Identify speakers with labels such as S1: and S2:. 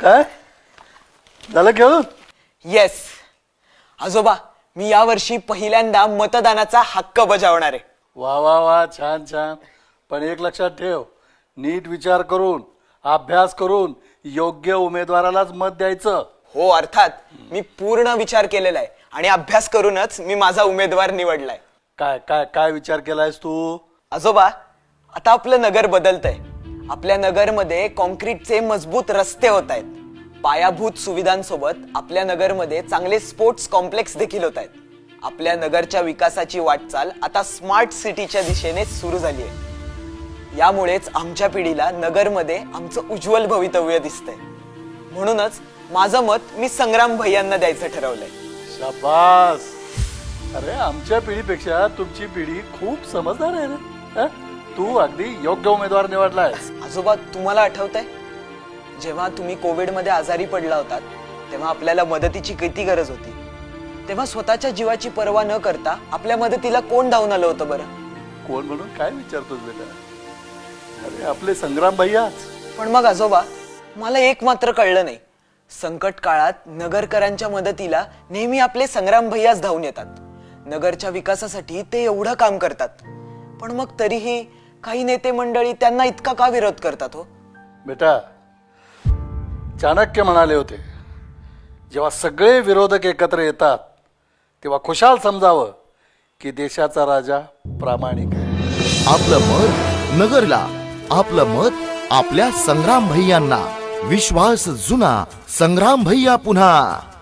S1: काय झालं खेळून?
S2: येस आजोबा, मी यावर्षी पहिल्यांदा मतदानाचा हक्क बजावणार आहे.
S1: वा वा वा, छान छान. पण एक लक्षात ठेव, नीट विचार करून अभ्यास करून योग्य उमेदवारालाच मत द्यायचं.
S2: हो, अर्थात मी पूर्ण विचार केलेला आहे आणि अभ्यास करूनच मी माझा उमेदवार निवडलाय.
S1: काय काय काय विचार केलायस तू?
S2: आजोबा, आता आपलं नगर बदलतंय. आपल्या नगरमध्ये कॉन्क्रीटचे मजबूत रस्ते होत आहेत. पायाभूत सुविधांसोबत आपल्या नगरमध्ये चांगले स्पोर्ट्स कॉम्प्लेक्स देखील होत आहेत. आपल्या नगरच्या विकासाची वाटचाल आता स्मार्ट सिटीच्या दिशेने सुरू झाली आहे. यामुळेच आमच्या पिढीला नगरमध्ये आमचं उज्ज्वल भवितव्य दिसतंय. म्हणूनच माझं मत मी संग्राम भैयांना द्यायचं ठरवलंय.
S1: शाबास. अरे, आमच्या पिढीपेक्षा तुमची पिढी खूप समजदार आहे रे. तू अगदी योग्य उमेदवार निवडलायस.
S2: आजोबा, तुम्हाला आठवतंय जेव्हा तुम्ही कोविडमध्ये आजारी पडला होतात तेव्हा आपल्याला मदतीची किती गरज होती? तेव्हा स्वतःच्या जीवाची पर्वा न करता आपल्या मदतीला कोण धावून आलं होतं बरं?
S1: कोण म्हणून काय विचारतोस बेटा? अरे, आपले संग्राम भैयाच.
S2: पण मग आजोबा, मला एक मात्र कळलं नाही. संकट काळात नगरकरांच्या मदतीला नेहमी आपले संग्राम भैयाच धावून येतात. नगरच्या विकासासाठी ते एवढं काम करतात, पण मग तरीही काही नेते मंडळी त्यांना इतका का विरोध करतात हो?
S1: बेटा, चाणक्य म्हणाले होते, जेव्हा सगळे विरोधक एकत्र येतात तेव्हा खुशाल समजावं की देशाचा राजा प्रामाणिक आहे.
S3: आपलं मत नगरला, आपलं मत आपल्या संग्राम भैयांना. विश्वास जुना, संग्राम भैया पुन्हा.